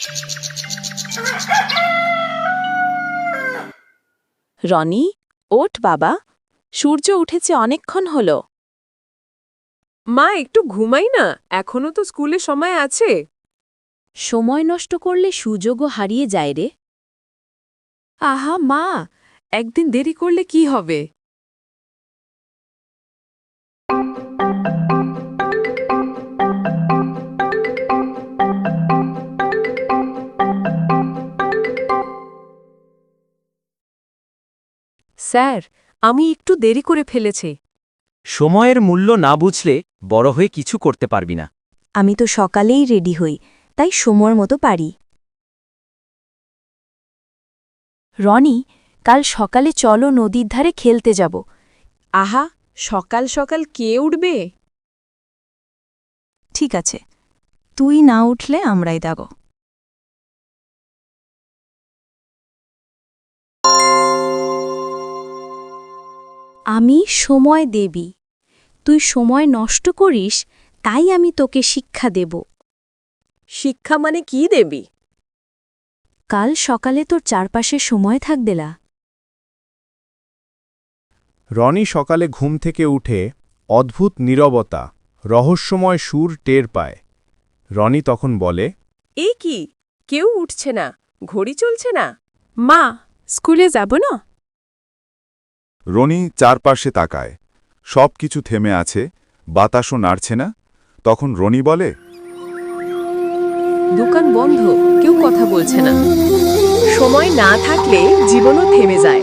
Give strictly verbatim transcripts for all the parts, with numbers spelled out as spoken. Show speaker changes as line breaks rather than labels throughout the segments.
রনি, ওঠ বাবা, সূর্য উঠেছে অনেকক্ষণ হলো।
মা, একটু ঘুমাই না, এখনো তো স্কুলে সময় আছে।
সময় নষ্ট করলে সুযোগও হারিয়ে যায় রে।
আহা মা, একদিন দেরি করলে কি হবে? স্যার, আমি একটু দেরি করে ফেলেছি।
সময়ের মূল্য না বুঝলে বড় হয়ে কিছু করতে পারবি না।
আমি তো সকালেই রেডি হই, তাই সময়ের মতো পারি। রনি, কাল সকালে চলো নদীর ধারে খেলতে যাব।
আহা, সকাল সকাল কে উঠবে?
ঠিক আছে, তুই না উঠলে আমরাই দাগো। আমি সময় দেবী, তুই সময় নষ্ট করিস, তাই আমি তোকে শিক্ষা দেব।
শিক্ষা মানে কি দেবী?
কাল সকালে তোর চারপাশে সময় থাকবেলা।
রনি সকালে ঘুম থেকে উঠে অদ্ভুত নীরবতা, রহস্যময় সুর টের পায়। রনি তখন বলে,
এই কি, কেউ উঠছে না, ঘড়ি চলছে না। মা, স্কুলে যাব না?
রনি চারপাশে তাকায়, সব কিছু থেমে আছে, বাতাসও নাড়ছে না। তখন রনি বলে,
দোকান বন্ধ, কেউ কথা বলছে না। সময় না থাকলে জীবনও থেমে যায়।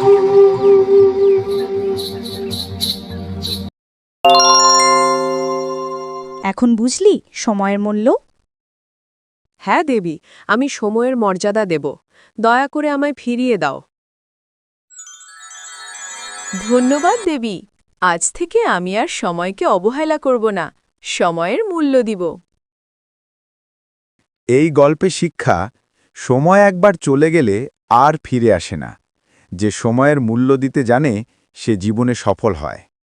এখন বুঝলি সময়ের মূল্য?
হ্যাঁ দেবী, আমি সময়ের মর্যাদা দেব। দয়া করে আমায় ফিরিয়ে দাও। ধন্যবাদ দেবী, আজ থেকে আমি আর সময়কে অবহেলা করব না, সময়ের মূল্য দিব।
এই গল্পে শিক্ষা, সময় একবার চলে গেলে আর ফিরে আসে না। যে সময়ের মূল্য দিতে জানে, সে জীবনে সফল হয়।